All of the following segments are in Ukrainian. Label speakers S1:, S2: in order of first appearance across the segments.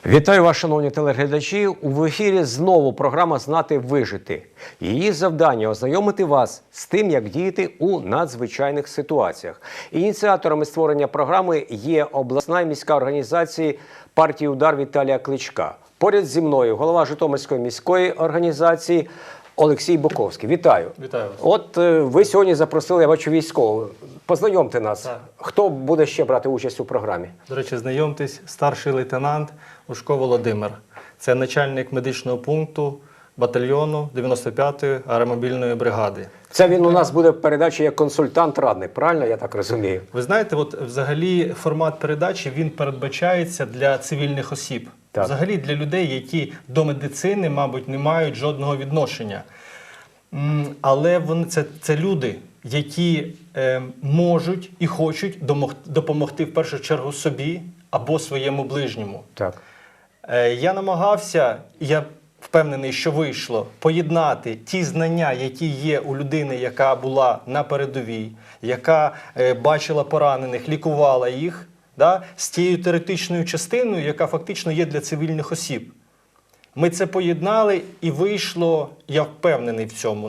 S1: Вітаю вас, шановні телеглядачі. В ефірі знову програма «Знати вижити». Її завдання – ознайомити вас з тим, як діяти у надзвичайних ситуаціях. Ініціаторами створення програми є обласна і міська організації партії «Удар» Віталія Кличка. Поряд зі мною голова Житомирської міської організації Олексій Боковський. Вітаю.
S2: Вітаю вас.
S1: От ви сьогодні запросили, я бачу, військового. Познайомте нас.
S2: Так.
S1: Хто буде ще брати участь у програмі?
S2: До речі, знайомтесь, старший лейтенант Ушко Володимир. Це начальник медичного пункту батальйону 95-ї аеромобільної бригади.
S1: Це він у нас буде в передачі як консультант-радник, правильно я так розумію?
S2: Ви знаєте, от взагалі формат передачі, він передбачається для цивільних осіб.
S1: Так.
S2: Взагалі для людей, які до медицини, мабуть, не мають жодного відношення. Але це люди, які можуть і хочуть допомогти в першу чергу собі або своєму ближньому.
S1: Так.
S2: Я намагався, я впевнений, що вийшло, поєднати ті знання, які є у людини, яка була на передовій, яка бачила поранених, лікувала їх, з тією теоретичною частиною, яка фактично є для цивільних осіб. Ми це поєднали і вийшло, я впевнений в цьому,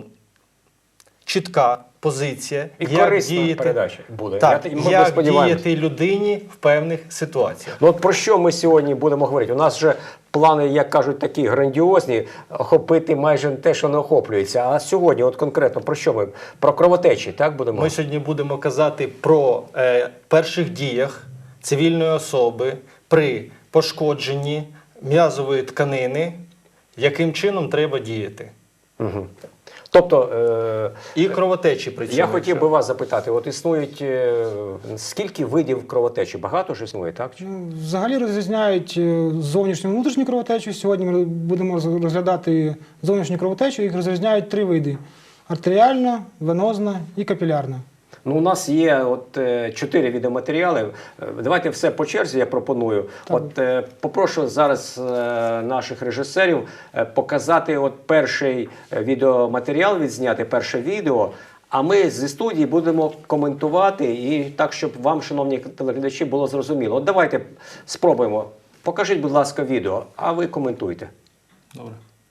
S2: чітка позиція,
S1: І корисна передача буде.
S2: Так,
S1: Ми
S2: як
S1: сподіваємося.
S2: діяти людині в певних ситуаціях.
S1: Ну от про що ми сьогодні будемо говорити? У нас вже плани, як кажуть, такі грандіозні, охопити майже те, що не охоплюється. А сьогодні от конкретно про що ми? Про кровотечі, так будемо?
S2: Ми сьогодні будемо казати про перших діях цивільної особи при пошкодженні м'язової тканини, яким чином треба діяти.
S1: Угу. Тобто,
S2: і кровотечі при цьому.
S1: Я хотів би вас запитати, от існують, скільки видів кровотечі? Багато ж існує, так?
S3: Взагалі розрізняють зовнішню і внутрішню кровотечу. Сьогодні ми будемо розглядати зовнішню кровотечу. Їх розрізняють три види: артеріальна, венозна і капілярна.
S1: Ну, у нас є от 4 відеоматеріали. Давайте все по черзі, я пропоную.
S3: Так.
S1: От попрошу зараз наших режисерів показати от перший відеоматеріал, відзняти перше відео, а ми зі студії будемо коментувати і так, щоб вам, шановні телеглядачі, було зрозуміло. От давайте спробуємо. Покажіть, будь ласка, відео, а ви коментуйте.
S2: Добре.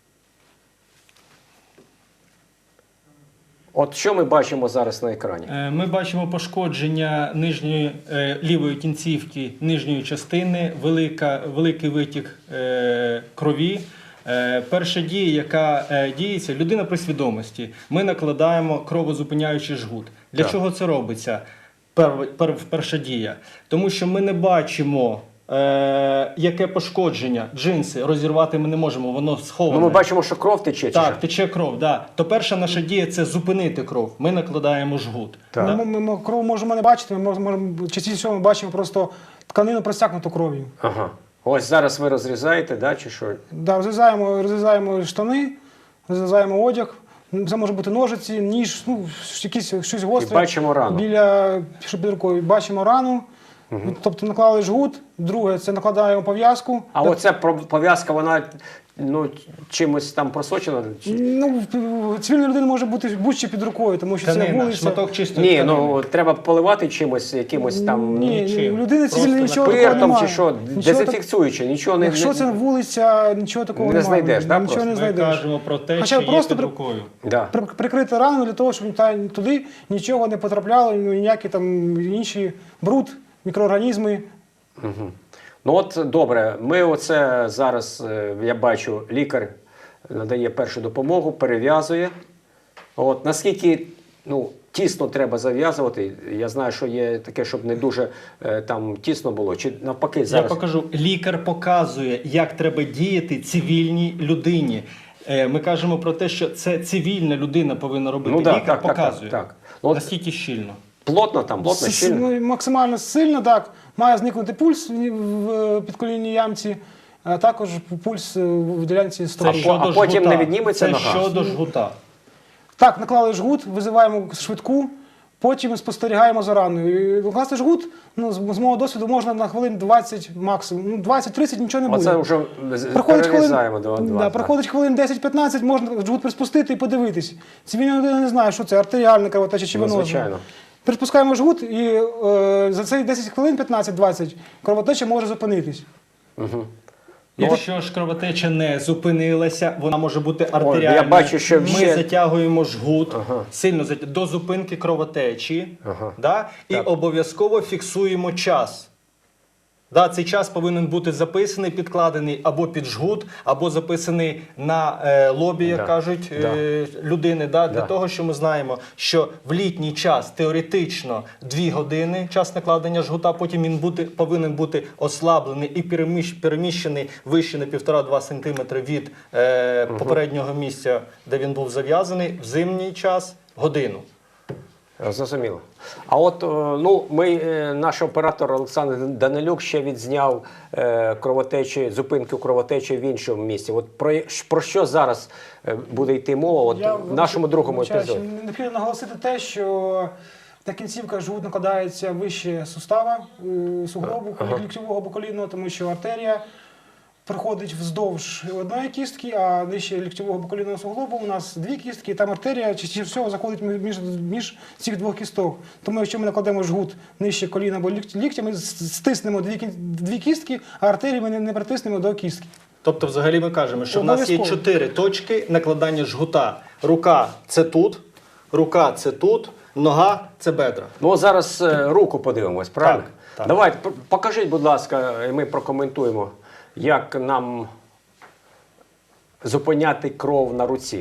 S1: От що ми бачимо зараз на екрані?
S2: Ми бачимо пошкодження нижньої лівої кінцівки нижньої частини, великий витік крові. Перша дія, яка діється, людина при свідомості. Ми накладаємо кровозупиняючий жгут. Для
S1: Так.
S2: чого це робиться? Перша дія. Тому що ми не бачимо, яке пошкодження. Джинси розірвати ми не можемо, воно сховане.
S1: Ну, ми бачимо, що кров тече. Чи
S2: Так,
S1: що?
S2: тече кров, да. То перша наша дія – це зупинити кров. Ми накладаємо жгут.
S1: Так.
S2: Да?
S3: Ми кров можемо не бачити, частіше всього ми бачимо просто тканину просякнуту кров'ю.
S1: Ага. Ось зараз ви розрізаєте, да, чи що?
S3: Да, розрізаємо штани, розрізаємо одяг. Це може бути ножиці, ніж, щось гостре.
S1: І бачимо рану.
S3: Під рукою бачимо рану. Тобто наклали жгут. Друге, це накладаємо пов'язку.
S1: А оця пов'язка, вона чимось там просочена?
S3: Ну, цивільна людина може бути будь-що під рукою, тому що це
S2: Тканина,
S3: вулиця.
S2: шматок чистої
S1: Ні,
S2: тканини.
S1: ну треба поливати чимось, якимось там
S3: Ні,
S2: нічим.
S3: людини цивільної
S2: Просто
S3: нічого такого
S1: спиртом
S3: немає.
S1: чи що, дезінфікцюючи, нічого не...
S3: Якщо це вулиця, нічого такого
S1: Не
S3: немає.
S1: знайдеш, да,
S3: Нічого
S1: просто?
S3: не
S2: Ми
S3: знайдеш.
S2: кажемо про те,
S3: Хоча
S2: що є
S3: просто
S2: під рукою.
S1: Да.
S3: Прикрити рану для того, щоб туди нічого не потрапляло, ніякі там інші бруд, мікроорганізми.
S1: Ну от добре, ми оце зараз, я бачу, лікар надає першу допомогу, перев'язує. От наскільки тісно треба зав'язувати, я знаю, що є таке, щоб не дуже там тісно було, чи навпаки зараз.
S2: Я покажу. Лікар показує, як треба діяти цивільній людині. Ми кажемо про те, що це цивільна людина повинна робити.
S1: Ну, да,
S2: лікар
S1: так,
S2: показує.
S1: так. От
S2: Настільки щільно.
S1: плотно там, плотно, щільно.
S3: Максимально сильно, так. Має зникнути пульс в підколінній ямці, а також пульс в ділянці стопи.
S1: А потім не відніметься
S2: це
S1: нога?
S2: щодо жгута.
S3: Так, наклали жгут, визиваємо швидку, потім спостерігаємо за раною. Накласти жгут, з мого досвіду, можна на хвилин 20 максимум. 20-30 нічого не буде.
S1: Оце вже перерізаємо до 2.
S3: Проходить хвилин 10-15, можна жгут приспустити і подивитись. Цивільна людина не знає, що це, артеріальна кровотеча чи венозна.
S1: Звичайно.
S3: Приспускаємо жгут, і за цей 10 хвилин, 15-20, кровотеча може зупинитись.
S1: Угу.
S2: Якщо ж кровотеча не зупинилася, вона може бути артеріальною.
S1: я бачу, що
S2: ми
S1: ще-
S2: затягуємо жгут
S1: Ага.
S2: сильно до зупинки кровотечі,
S1: Ага.
S2: да? І
S1: Так.
S2: обов'язково фіксуємо час. Да, цей час повинен бути записаний, підкладений або під жгут, або записаний на лобі, як
S1: Да.
S2: кажуть,
S1: Да.
S2: людини. Да? Для
S1: Да.
S2: того, що ми знаємо, що в літній час теоретично 2 години час накладення жгута, потім він повинен бути ослаблений і переміщений вище на 1,5-2 см від попереднього місця, де він був зав'язаний, в зимній час годину.
S1: Зрозуміло. А от наш оператор Олександр Данилюк ще відзняв зупинки кровотечі в іншому місці. От про що зараз буде йти мова в нашому другому епізоді?
S3: Необхідно наголосити те, що та кінцівка жгут накладається вище сустава, суглобу, ліктьового або колінного, тому що артерія проходить вздовж одної кістки, а нижче ліктьового або колінного суглобу у нас 2 кістки, і там артерія частіше всього заходить між цих 2 кісток. Тому якщо ми накладемо жгут нижче коліна або ліктя, ми стиснемо 2 кістки, а артерії ми не притиснемо до кістки.
S2: Тобто, взагалі ми кажемо, що в нас є 4 точки накладання жгута. Рука – це тут, рука – це тут, нога – це бедра.
S1: Ну, зараз руку подивимось, правильно?
S2: Так.
S1: Давайте, покажіть, будь ласка, і ми прокоментуємо, як нам зупиняти кров на руці.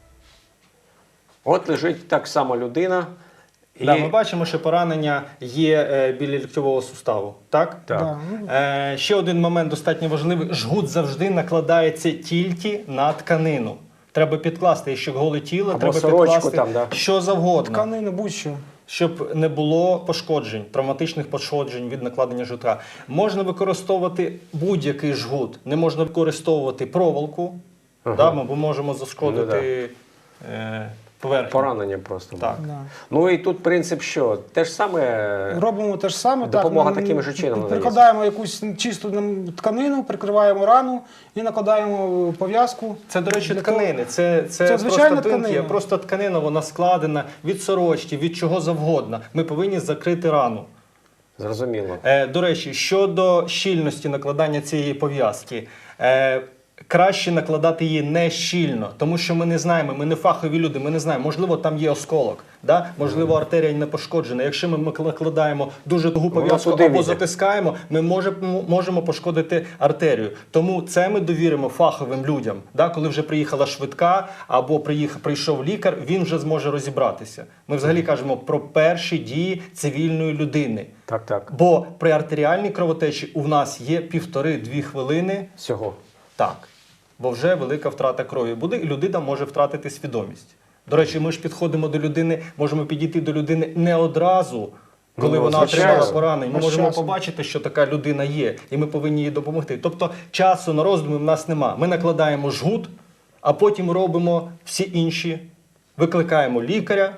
S1: От лежить так само людина. І...
S2: Да, ми бачимо, що поранення є біля ліктьового суставу. Так?
S1: Так.
S3: Да.
S2: Ще один момент достатньо важливий. Жгут завжди накладається тільки на тканину. Треба підкласти, якщо голе тіло,
S1: Або
S2: треба
S1: сорочку
S2: підкласти
S1: там, да.
S2: що завгодно.
S3: Тканину, будь-що.
S2: Щоб не було пошкоджень, травматичних пошкоджень від накладення жгута. Можна використовувати будь-який жгут. Не можна використовувати проволоку, да, бо можемо зашкодити поверхню.
S1: Поранення просто.
S2: Так.
S3: Да.
S1: Ну і тут принцип що? Те ж саме.
S3: Робимо те ж саме.
S1: Допомога
S3: так,
S1: таким же чином надається.
S3: Прикладаємо якусь чисту тканину, прикриваємо рану і накладаємо пов'язку.
S2: Це, до речі,
S3: Для
S2: тканини. Це
S3: звичайна
S2: просто тинки,
S3: тканина.
S2: просто тканина, вона складена від сорочки, від чого завгодно. Ми повинні закрити рану.
S1: Зрозуміло.
S2: До речі, щодо щільності накладання цієї пов'язки, краще накладати її не щільно, тому що ми не знаємо, ми не фахові люди, ми не знаємо, можливо, там є осколок, да? Можливо, артерія не пошкоджена. Якщо ми накладаємо дуже тугу пов'язку
S1: туди
S2: або
S1: війде.
S2: затискаємо, ми можемо пошкодити артерію. Тому це ми довіримо фаховим людям. Да? Коли вже приїхала швидка або прийшов лікар, він вже зможе розібратися. Ми взагалі кажемо про перші дії цивільної людини.
S1: Так.
S2: Бо при артеріальній кровотечі у нас є 1,5-2 хвилини.
S1: Всього.
S2: Так. Бо вже велика втрата крові буде, і людина може втратити свідомість. До речі, ми ж підходимо до людини, можемо підійти до людини не одразу, коли вона
S1: звичайно.
S2: отримала поранення. Ми
S3: З
S2: можемо
S3: часом.
S2: побачити, що така людина є, і ми повинні їй допомогти. Тобто часу на роздуми в нас нема. Ми накладаємо жгут, а потім робимо всі інші. Викликаємо лікаря,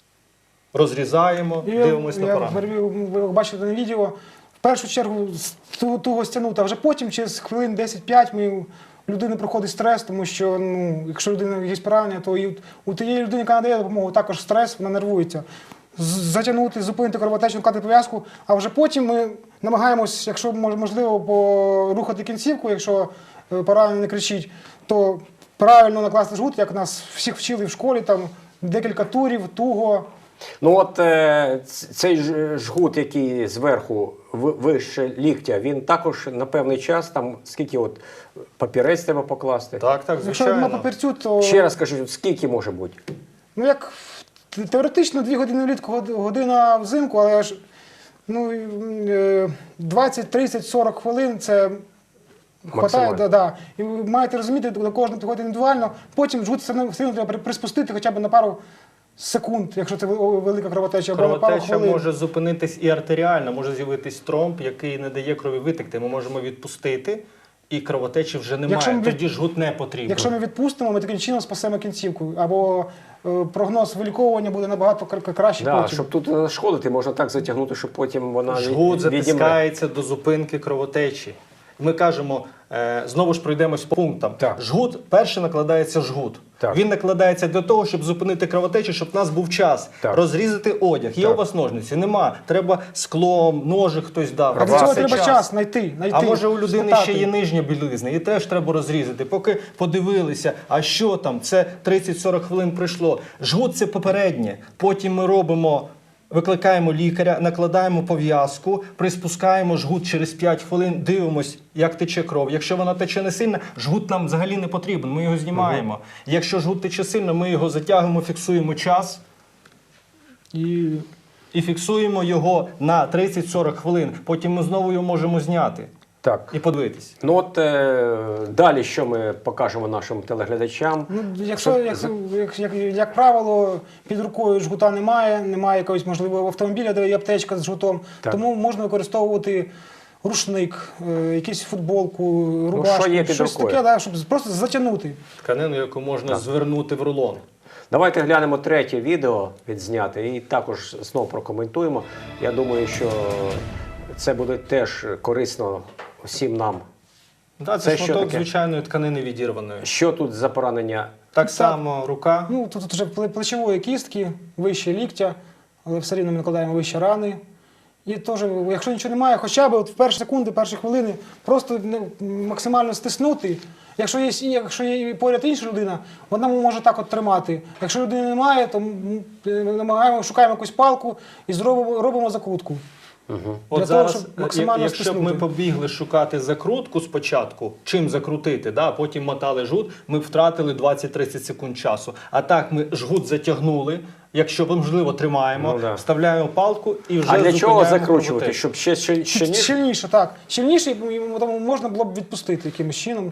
S2: розрізаємо, дивимося на поранення.
S3: Ви бачите на відео, в першу чергу туго стягнути, а вже потім, через хвилин 10-5, у людини проходить стрес, тому що якщо людина є поранення, то і у тієї людини, яка надає допомогу, також стрес, вона нервується. Затягнути, зупинити кровотечу, наклати пов'язку, а вже потім ми намагаємось, якщо можливо, порухати кінцівку, якщо поранений не кричить, то правильно накласти жгут, як нас всіх вчили в школі, там декілька турів, туго.
S1: Ну от цей жгут, який зверху вище ліктя, він також на певний час, там скільки от папірець треба покласти?
S2: Так,
S3: Якщо на
S2: звичайно.
S3: папірцю, то
S1: Ще раз скажіть, скільки може бути?
S3: як теоретично 2 години влітку, година взимку, але ж 20, 30, 40 хвилин це хватає.
S1: Максимально.
S3: Да. І ви маєте розуміти, до кожного підходить індивідуально. Потім жгут все одно треба приспустити хоча б на пару секунд, якщо це велика кровотеча, або на пару
S2: Кровотеча
S3: хвилин.
S2: може зупинитись і артеріально, може з'явитись тромб, який не дає крові витекти. Ми можемо відпустити, і кровотечі вже
S3: Якщо
S2: немає.
S3: ми
S2: Тоді жгут не потрібен.
S3: Якщо ми відпустимо, ми таким чином спасемо кінцівку. Або прогноз виліковування буде набагато краще
S1: Да,
S3: потім.
S1: щоб тут не нашкодити, можна так затягнути, щоб потім вона
S2: Жгут
S1: відімре.
S2: затискається до зупинки кровотечі. ми кажемо, знову ж пройдемось по пунктам.
S1: Так.
S2: Жгут, перше накладається жгут.
S1: Так.
S2: Він накладається для того, щоб зупинити кровотечу, щоб в нас був час
S1: Так.
S2: розрізати одяг. Є
S1: Так.
S2: у вас ножниці? Нема. Треба склом, ножик хтось дав.
S3: А для цього
S2: Це
S3: треба час знайти.
S2: А може у людини
S3: спитати.
S2: ще є нижня білизна, і теж треба розрізати. Поки подивилися, а що там, це 30-40 хвилин пройшло. Жгут – це попереднє. Потім ми робимо, викликаємо лікаря, накладаємо пов'язку, приспускаємо жгут через 5 хвилин, дивимось, як тече кров. Якщо вона тече не сильно, жгут нам взагалі не потрібен, ми його знімаємо. Якщо жгут тече сильно, ми його затягуємо, фіксуємо час і фіксуємо його на 30-40 хвилин. Потім ми знову його можемо зняти
S1: Так.
S2: і подивитись.
S1: Ну от далі, що ми покажемо нашим телеглядачам?
S3: Ну, якщо, як правило, під рукою жгута немає якогось, можливо, автомобіля, де є аптечка з жгутом,
S1: Так.
S3: тому можна використовувати рушник, якусь футболку, рубашку,
S1: що є під
S3: щось
S1: рукою?
S3: таке, да, щоб просто затягнути.
S2: Тканину, яку можна звернути в рулон.
S1: Давайте глянемо третє відео відзняте і також знову прокоментуємо. Я думаю, що це буде теж корисно всім нам.
S2: Да,
S1: Це
S2: це
S1: що
S2: шматок
S1: таке?
S2: звичайної тканини відірваної.
S1: Що тут за поранення?
S2: Так само рука.
S3: Ну, тут вже плечової кістки, вище ліктя, але все рівно ми накладаємо вище рани. І теж, якщо нічого немає, хоча б от в перші секунди, перші хвилини просто максимально стиснути. Якщо є поряд інша людина, вона може так от тримати. Якщо людини немає, то шукаємо якусь палку і робимо закрутку.
S2: От
S3: Для
S2: зараз,
S3: того, щоб максимально
S2: якщо б ми
S3: стиснути.
S2: побігли шукати закрутку спочатку, чим закрутити, да, потім мотали жгут, ми б втратили 20-30 секунд часу. А так ми жгут затягнули, якщо можливо тримаємо,
S1: Ну, да.
S2: вставляємо палку і вже
S1: А для чого
S2: зупиняємо
S1: закручувати?
S2: кровотечу.
S1: Щоб ще ніж?
S3: Щільніше, так. Щільніше, і тому можна було б відпустити якимось чином.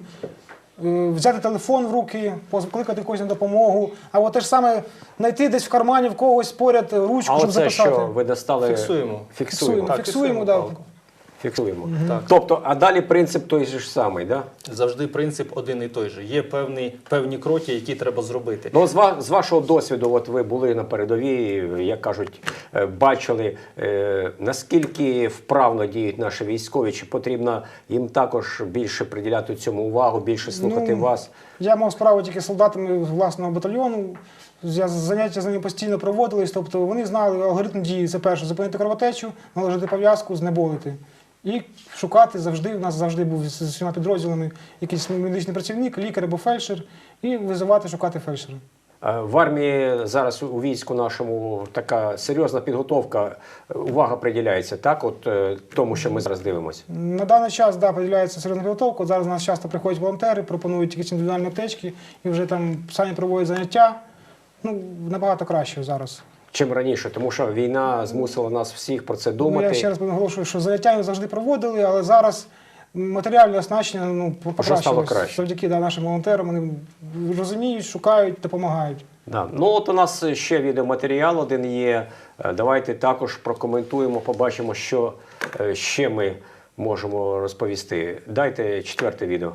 S3: Взяти телефон в руки, покликати когось на допомогу, або те ж саме знайти десь в кармані в когось поряд ручку,
S1: А
S3: щоб
S1: оце
S3: записати.
S1: що ви достали?
S2: Фіксуємо.
S1: Фіксуємо.
S2: Так,
S3: Фіксуємо, да.
S2: палку.
S1: Фіксуємо.
S2: Так.
S1: Тобто, а далі принцип той же ж самий, да?
S2: Завжди принцип один і той же. Є певні кроки, які треба зробити.
S1: Ну, з вашого досвіду, от ви були на передовій, як кажуть, бачили, наскільки вправно діють наші військові, чи потрібно їм також більше приділяти цьому увагу, більше слухати вас?
S3: Я мав справу тільки з солдатами власного батальйону. Заняття з ними постійно проводились, тобто вони знали алгоритм дії. Це перше, зупинити кровотечу, наложити пов'язку, знеболити. І шукати завжди, у нас завжди був з усіма підрозділами якийсь медичний працівник, лікар або фельдшер, і визивати, шукати фельдшера.
S1: В армії зараз у війську нашому така серйозна підготовка, увага приділяється, так, от тому, що ми зараз дивимося?
S3: На даний час, да, поділяється серйозна підготовка. От зараз у нас часто приходять волонтери, пропонують якісь індивідуальні аптечки, і вже там самі проводять заняття. Ну, набагато краще зараз.
S1: Чим раніше, тому що війна змусила нас всіх про це думати.
S3: Ну, я ще раз наголошую, що заняття ми завжди проводили, але зараз матеріальне оснащення
S1: стало
S3: покращилось.
S1: краще.
S3: Завдяки нашим волонтерам. Вони розуміють, шукають, допомагають.
S1: Да. Ну от у нас ще відеоматеріал один є. Давайте також прокоментуємо, побачимо, що ще ми можемо розповісти. Дайте четверте відео.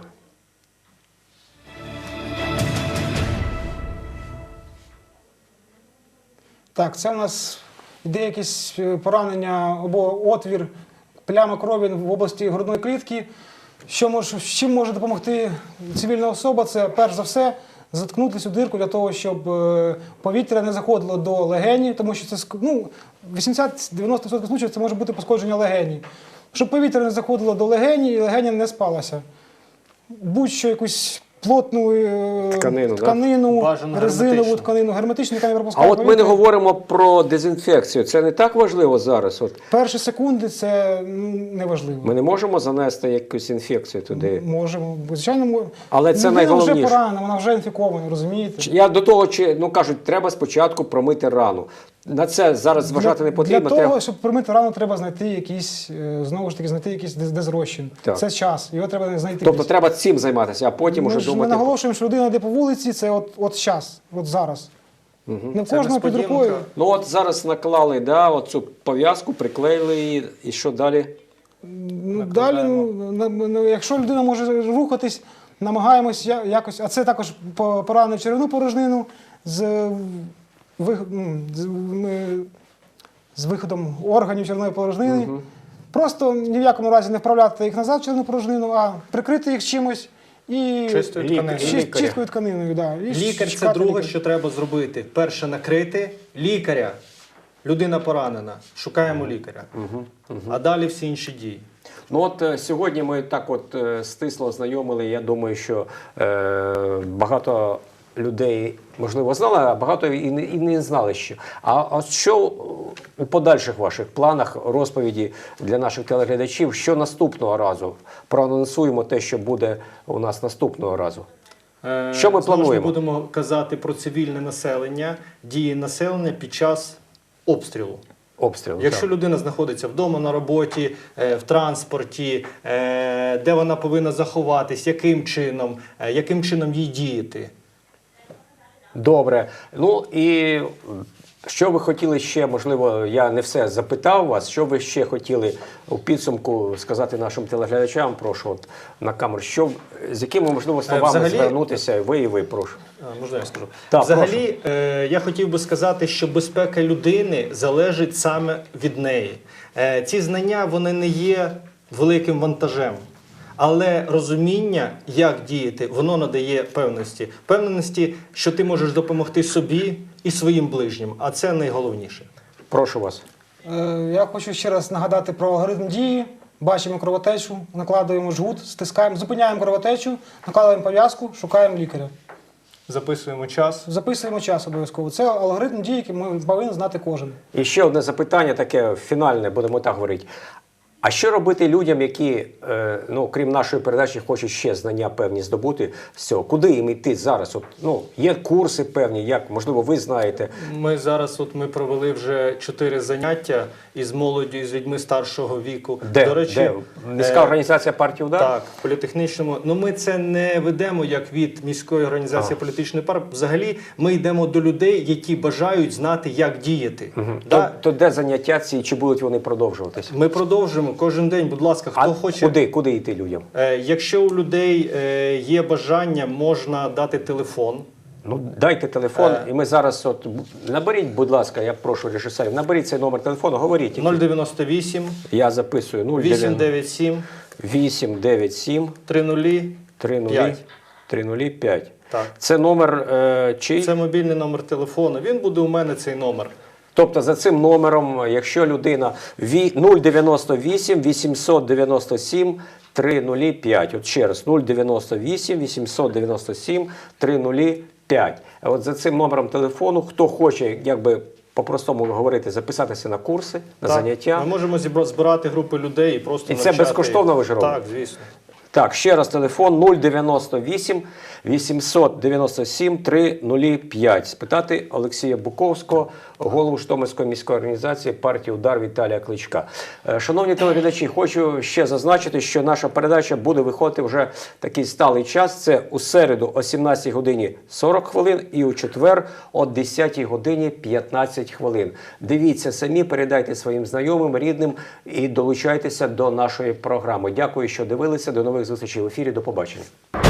S3: Так, це у нас йде якесь поранення або отвір, пляма крові в області грудної клітки. Чим може допомогти цивільна особа? Це перш за все заткнути цю дирку для того, щоб повітря не заходило до легенів, тому що це 80-90% случаїв це може бути пошкодження легені. Щоб повітря не заходило до легені і легеня не спалася. Будь-що якусь плотну тканину,
S2: Бажано
S3: резинову
S2: герметичну.
S3: тканину, герметичну, яка не
S1: А
S3: пропускає
S1: от ми не
S3: повітря.
S1: говоримо про дезінфекцію. Це не так важливо зараз. От
S3: Перші секунди це неважливо.
S1: ми не можемо занести якусь інфекцію туди.
S3: Можемо. Звичайно,
S1: Але це
S3: людина вже
S1: найголовніше.
S3: поранена, вона вже інфікована, розумієте?
S1: Я до того, кажуть, треба спочатку промити рану. На це зараз зважати не потрібно.
S3: Для того, щоб промити рану, треба знайти якийсь, знову ж таки, знайти якийсь дезрозчин.
S1: Так.
S3: Це час, його треба знайти.
S1: Тобто треба цим займатися, а потім
S3: Ми
S1: уже
S3: ж не
S1: думати.
S3: наголошуємо, що людина йде по вулиці, це от час, от зараз. Не в
S2: Це
S3: кожного під
S2: несподіванка.
S3: рукою.
S1: Ну от зараз наклали, да, оцю пов'язку, приклеїли її, і що далі?
S3: Далі, якщо людина може рухатись, намагаємось якось, а це також поранення в черевну порожнину з виходом органів черевної порожнини. Просто ні в якому разі не вправляти їх назад через порожнину, а прикрити їх чимось і
S2: Чистою тканиною.
S3: чисткою тканиною. Да. І
S2: Лікар – це
S3: чекати
S2: друге,
S3: лікаря.
S2: що треба зробити. Перше – накрити лікаря. Людина поранена. Шукаємо лікаря. А далі всі інші дії.
S1: Ну от сьогодні ми так от стисло ознайомили. Я думаю, що багато людей, можливо, знали, а багато і не знали ще. А що у подальших ваших планах, розповіді для наших телеглядачів, що наступного разу? Проанонсуємо те, що буде у нас наступного разу. Що ми
S2: Знову ж
S1: плануємо?
S2: Ми будемо казати про цивільне населення, дії населення під час обстрілу.
S1: Обстріл.
S2: Якщо
S1: так.
S2: людина знаходиться вдома, на роботі, в транспорті, де вона повинна заховатись, яким чином їй діяти.
S1: Добре. Ну і що ви хотіли ще, можливо, я не все запитав вас, що ви ще хотіли у підсумку сказати нашим телеглядачам, прошу, от, на камеру, з якими, можливо, словами
S2: Взагалі-
S1: звернутися, ви, прошу.
S2: Можна я скажу?
S1: Так,
S2: Взагалі, я хотів би сказати, що безпека людини залежить саме від неї. Ці знання, вони не є великим вантажем. Але розуміння, як діяти, воно надає певності. Певності, що ти можеш допомогти собі і своїм ближнім. А це найголовніше.
S1: Прошу вас.
S3: Я хочу ще раз нагадати про алгоритм дії. Бачимо кровотечу, накладуємо жгут, стискаємо, зупиняємо кровотечу, накладуємо пов'язку, шукаємо лікаря.
S2: Записуємо час.
S3: Записуємо час обов'язково. Це алгоритм дії, який ми повинен знати кожен.
S1: І ще одне запитання, таке фінальне, будемо так говорити. А що робити людям, які, ну, крім нашої передачі, хочуть ще знання певні здобути з цього? Куди їм йти зараз? От, ну, є курси певні, як, можливо, ви знаєте.
S2: Ми зараз ми провели вже 4 заняття із молоддю, із людьми старшого віку.
S1: Де?
S2: До речі,
S1: Де? Міська організація партії «Удар»?
S2: Так, в політехнічному. Ну ми це не ведемо як від міської організації політичної партії. Взагалі ми йдемо до людей, які бажають знати, як діяти. Да?
S1: То де заняття ці, чи будуть вони продовжуватися?
S2: Ми продовжуємо кожен день, будь ласка, хто хоче.
S1: Куди йти людям?
S2: Якщо у людей є бажання, можна дати телефон.
S1: Ну, дайте телефон, і ми зараз, от, наберіть, будь ласка, я прошу режисерів, наберіть цей номер телефону, говоріть.
S2: 098
S1: Я записую
S2: 897
S1: 897
S2: 30
S1: 3005.
S2: Так.
S1: Це номер чий?
S2: Це мобільний номер телефону. Він буде у мене, цей номер.
S1: Тобто за цим номером, якщо людина 098 897 305. От ще раз, 098 897 305. От за цим номером телефону, хто хоче, якби по-простому говорити, записатися на курси, на заняття.
S2: Ми можемо збирати групи людей і просто
S1: І це
S2: навчати
S1: безкоштовно
S2: їх.
S1: ви ж робите?
S2: Так, звісно.
S1: Так, ще раз телефон 098 897 305. Спитати Олексія Буковського, голову Житомирської міської організації партії «Удар» Віталія Кличка. Шановні телеглядачі, хочу ще зазначити, що наша передача буде виходити вже такий сталий час. Це у середу о 17 годині 40 хвилин і у четвер о 10 годині 15 хвилин. Дивіться самі, передайте своїм знайомим, рідним і долучайтеся до нашої програми. Дякую, що дивилися. До нових зустрічей в ефірі. До побачення.